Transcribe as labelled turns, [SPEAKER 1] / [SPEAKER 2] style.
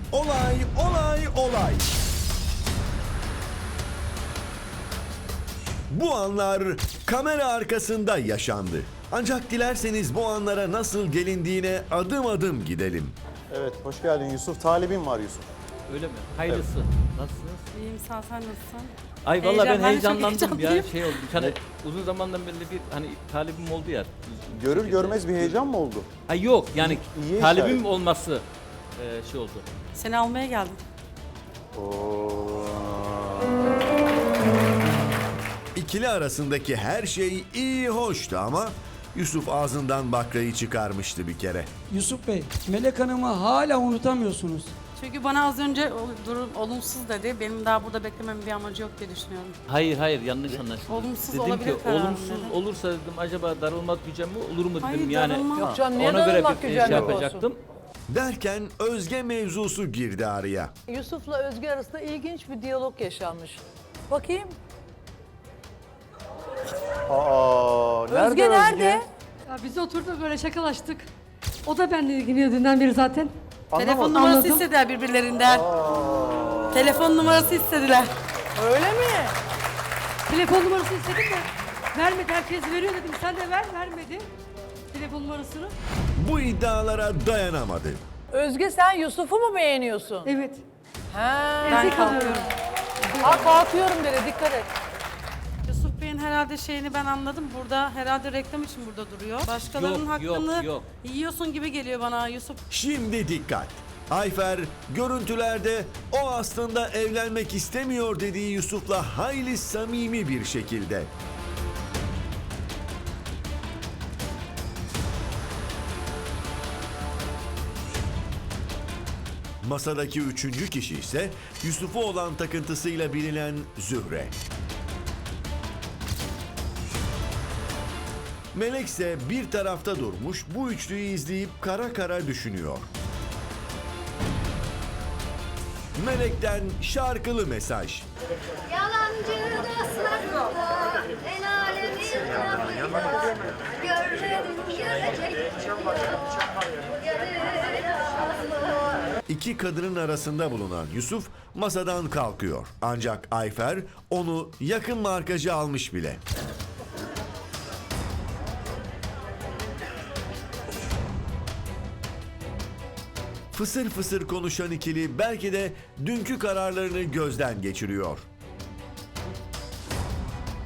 [SPEAKER 1] Olay, olay, olay. Bu anlar kamera arkasında yaşandı. Ancak dilerseniz bu anlara nasıl gelindiğine adım adım gidelim.
[SPEAKER 2] Evet, hoş geldin Yusuf. Talibin var Yusuf.
[SPEAKER 3] Öyle mi? Hayırlısı. Nasılsınız?
[SPEAKER 4] İyiyim, sen nasılsın?
[SPEAKER 3] Ay vallahi ben
[SPEAKER 4] Ben de çok
[SPEAKER 3] heyecanlandım ya.
[SPEAKER 4] heyecanlıyım.
[SPEAKER 3] Şey oldu. Bir tane uzun zamandan beri bir hani talibim oldu ya.
[SPEAKER 2] Görür görmez bir heyecan mı oldu?
[SPEAKER 3] Ha yok yani
[SPEAKER 2] İyi
[SPEAKER 3] talibim
[SPEAKER 2] işaret.
[SPEAKER 3] olması şey oldu.
[SPEAKER 4] Seni almaya geldim.
[SPEAKER 2] Oo.
[SPEAKER 1] İkili arasındaki her şey iyi hoştu ama Yusuf ağzından bakrayı çıkarmıştı bir kere.
[SPEAKER 5] Yusuf Bey, Melek Hanım'ı hala unutamıyorsunuz.
[SPEAKER 4] Çünkü bana az önce durum olumsuz dedi. Benim daha burada beklememin bir amacı yok diye düşünüyorum.
[SPEAKER 3] Hayır yanlış anlaşıldı.
[SPEAKER 4] Olumsuz
[SPEAKER 3] dedim
[SPEAKER 4] olabilir
[SPEAKER 3] ki
[SPEAKER 4] kararım
[SPEAKER 3] olumsuz
[SPEAKER 4] dedim.
[SPEAKER 3] olursa dedim acaba darılmak gücem mi olur mu dedim
[SPEAKER 4] Hayır,
[SPEAKER 3] yani.
[SPEAKER 4] darılmam. Yok
[SPEAKER 6] canım, niye
[SPEAKER 3] ona göre
[SPEAKER 6] darılmak
[SPEAKER 3] bir şey
[SPEAKER 6] gücenlik olsun?
[SPEAKER 3] yapacaktım.
[SPEAKER 1] Derken Özge mevzusu girdi araya.
[SPEAKER 6] Yusuf'la Özge arasında ilginç bir diyalog yaşanmış. Bakayım.
[SPEAKER 2] Aa, nerede
[SPEAKER 6] Özge nerede?
[SPEAKER 7] Ya biz oturduk böyle şakalaştık. O da benimle ilgileniyor dünden beri zaten.
[SPEAKER 4] Telefon numarası
[SPEAKER 7] Anladım.
[SPEAKER 4] istediler birbirlerinden. Telefon numarası istediler.
[SPEAKER 6] Öyle mi?
[SPEAKER 7] Telefon numarası istedim de vermedi. Herkes veriyor dedim. Sen de ver, vermedi. Telefon numarasını.
[SPEAKER 1] Bu iddialara dayanamadı.
[SPEAKER 6] Özge sen Yusuf'u mu beğeniyorsun?
[SPEAKER 7] Evet.
[SPEAKER 6] Ha.
[SPEAKER 4] Ben
[SPEAKER 7] Ezik
[SPEAKER 4] kalkıyorum.
[SPEAKER 7] alıyorum.
[SPEAKER 6] Ha kalkıyorum dedi, dikkat et.
[SPEAKER 4] Yusuf Bey'in herhalde şeyini ben anladım. Burada herhalde reklam için burada duruyor. Başkalarının
[SPEAKER 3] Yok,
[SPEAKER 4] hakkını
[SPEAKER 3] yok.
[SPEAKER 4] yiyorsun gibi geliyor bana Yusuf.
[SPEAKER 1] Şimdi dikkat. Ayfer görüntülerde o aslında evlenmek istemiyor dediği Yusuf'la hayli samimi bir şekilde. Masadaki üçüncü kişi ise Yusuf'u olan takıntısıyla bilinen Zühre. Melek ise bir tarafta durmuş bu üçlüyü izleyip kara kara düşünüyor. Melek'ten şarkılı mesaj.
[SPEAKER 8] Yalancı dostlarımda el alemin lafıyla görmedim görecek
[SPEAKER 1] İki kadının arasında bulunan Yusuf masadan kalkıyor. Ancak Ayfer onu yakın markacı almış bile. Fısır fısır konuşan ikili belki de dünkü kararlarını gözden geçiriyor.